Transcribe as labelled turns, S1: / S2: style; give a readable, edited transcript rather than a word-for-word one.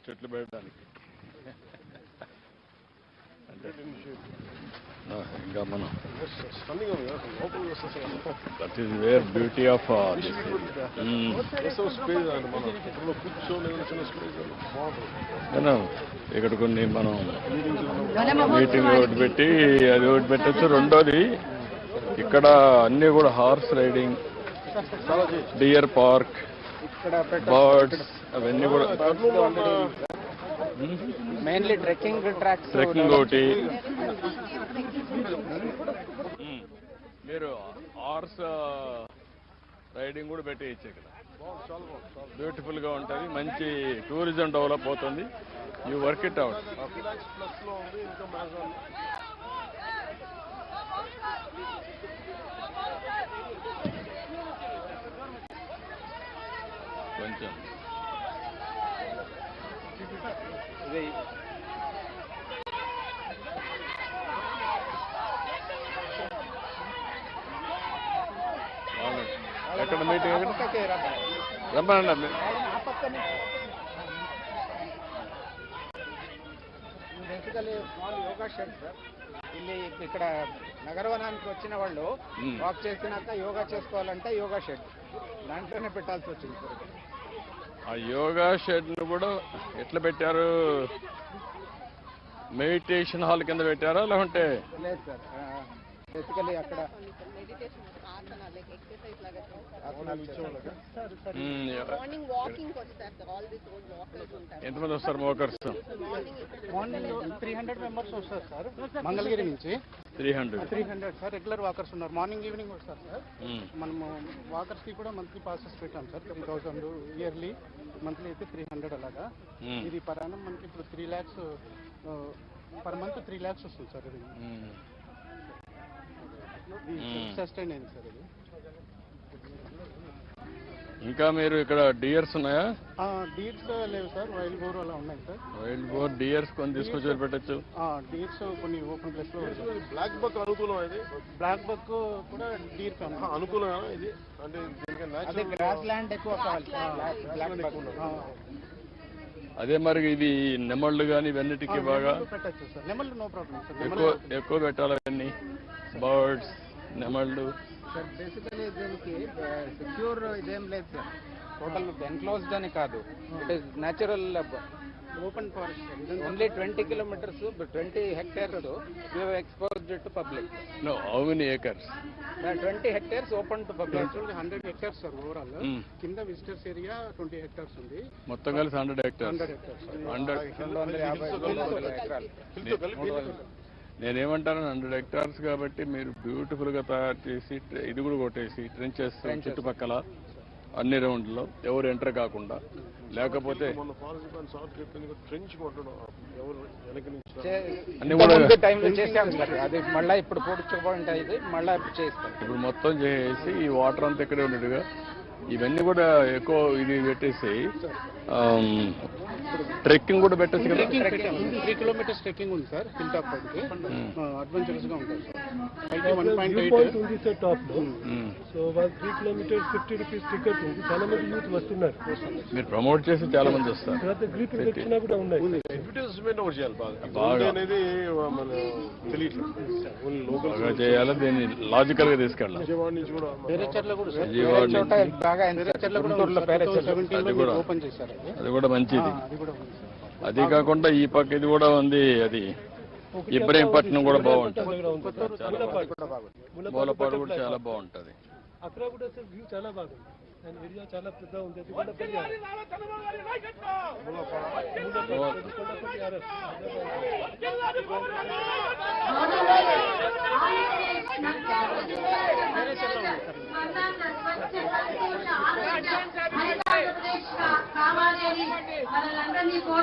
S1: చెట్లు పెట్టడానికి అంటే ఇంకా మనం that is where beauty of ఇక్కడ కొన్ని మనం మీటింగ్ ఒకటి పెట్టి అది ఒకటి పెట్టచ్చు. రెండోది ఇక్కడ అన్నీ కూడా horse riding, deer park, birds అవన్నీ కూడా
S2: మెయిన్లీ ట్రెక్కింగ్ ట్రాక్స్,
S1: ట్రెక్కింగ్ ఒకటి. మీరు హార్స్ రైడింగ్ కూడా పెట్టేయచ్చు ఇక్కడ. బ్యూటిఫుల్ గా ఉంటుంది, మంచి టూరిజం డెవలప్ అవుతుంది. You work it out. కొంచెం ఎక్కడ మీటింగ్ రమ్మనండి.
S2: Basically small yoga shed sir. ಇಲ್ಲಿ ఇక్కడ నగరవనానికి వచ్చిన వాళ్ళు వాక్ చేసినాక యోగా చేసుకోవాలంటే యోగా షెడ్ దాంట్లోనే పెట్టాల్సి వచ్చింది సార్.
S1: ఆ యోగా షెడ్ ను కూడా ఎట్లా పెట్టారు? మెడిటేషన్ హాల్ కింద పెట్టారా లేకుంటే?
S2: లేదు సార్, బేసికలీ అక్కడ
S1: ఎంతమంది వస్తారు వాకర్స్?
S2: మార్నింగ్ 300 మెంబర్స్ వస్తారు సార్. మంగళగిరి నుంచి 300 సార్ రెగ్యులర్ వాకర్స్ ఉన్నారు. మార్నింగ్ ఈవినింగ్ వస్తారు సార్. మనము వాకర్స్ కి కూడా మంత్లీ పాసెస్ పెట్టాం సార్. 3000 ఇయర్లీ, మంత్లీ అయితే 300 అలాగా. ఇది పర్ యానం మనకి ఇప్పుడు 3 lakhs పర్ మంత్ 3 lakhs వస్తుంది సార్. ఇది సస్టైన్ అయింది సార్. ఇది
S1: ఇంకా మీరు ఇక్కడ డియర్స్ ఉన్నాయా?
S2: డీర్స్ లేవు సార్, వైల్డ్ బోర్ అలా ఉన్నాయి సార్.
S1: వైల్డ్ బోర్, డియర్స్ కొన్ని తీసుకొచ్చి పెట్టచ్చు.
S2: డీర్స్ కొన్ని ఓపెన్ ప్లేస్ లో.
S3: బ్లాక్ బక్ అనుకూలం, ఇది
S2: బ్లాక్ బక్ కూడా డీర్
S3: అనుకూలం. ఇది అంటే
S2: గ్రాస్ ల్యాండ్ ఎక్కువ కావాలి.
S1: అదే మరి ఇది నెమళ్ళు కానీ ఇవన్నిటికీ బాగా
S2: పెట్టచ్చు సార్. నెమళ్ళు నో ప్రాబ్లం సార్.
S1: ఎక్కువ పెట్టాలి అవన్నీ, బర్డ్స్, నెమళ్ళు.
S2: సార్ బేసికలీ దీనికి సెక్యూర్ ఇదేం లేదు సార్. టోటల్ ఎన్క్లోజ్డ్ అని కాదు, it is natural open forest. Only 20 kilometers, 20 hectares we have exposed to public.
S1: No, how many acres?
S2: 20 hectares open to public. Actually 100 hectares sir overall. కింద visitors area 20 hectares ఉంది.
S1: మొత్తం కలిసి 100 hectares.
S2: 250 ఎకరాలు.
S1: నేనేమంటాను, 100 hectares కాబట్టి మీరు beautiful గా తయారు చేసి ఇది కూడా కొట్టేసి ట్రెంచెస్ చుట్టుపక్కల అన్ని రౌండ్లో ఎవరు ఎంటర్ కాకుండా, లేకపోతే
S2: అది మళ్ళీ ఇప్పుడు పూడ్చుకుంటుంది, మళ్ళీ చేస్తాం.
S1: ఇప్పుడు మొత్తం చేసి ఈ వాటర్ అంతా ఇక్కడే ఉండేట్టుగా ఇవన్నీ కూడా ఎక్కువ ఇది పెట్టేసి ట్రెక్కింగ్ కూడా పెట్టచ్చు కదా.
S2: 3 kilometers ట్రెక్కింగ్ ఉంది సార్. హిల్ టాప్ పైకి అడ్వెంచరస్ గా ఉంటుంది సార్. 1.8
S3: ఉంది సార్ టాప్ లో. సో 3 kilometers 50 rupees టికెట్ ఉంది. చాలా మంది యూత్ వస్తున్నారు.
S1: మీరు ప్రమోట్ చేసి చాలా మంది వస్తారు.
S3: తర్వాత గ్రీట్ పెట్టినా కూడా ఉన్నాయి. అడ్వర్టైజ్మెంట్ ఒకటి చేయాలి బాగా అనేది మన తెలియదు.
S1: బాగా చేయాలి, దీన్ని లాజికల్ గా తీసుకెళ్ళాలి.
S3: విజయవాడ నుంచి కూడా
S2: ఓపెన్ చేశారు.
S1: అది కూడా మంచిది. అది కాకుండా ఈ పక్క ఇది కూడా ఉంది, అది ఇబ్రహీంపట్నం కూడా బాగుంటుంది. మూలపాడు కూడా చాలా బాగుంటుంది.
S3: అక్కడ కూడా సార్ వ్యూ చాలా బాగుంది. ఏరియా చాలా పెద్ద ఉంది. అది కూడా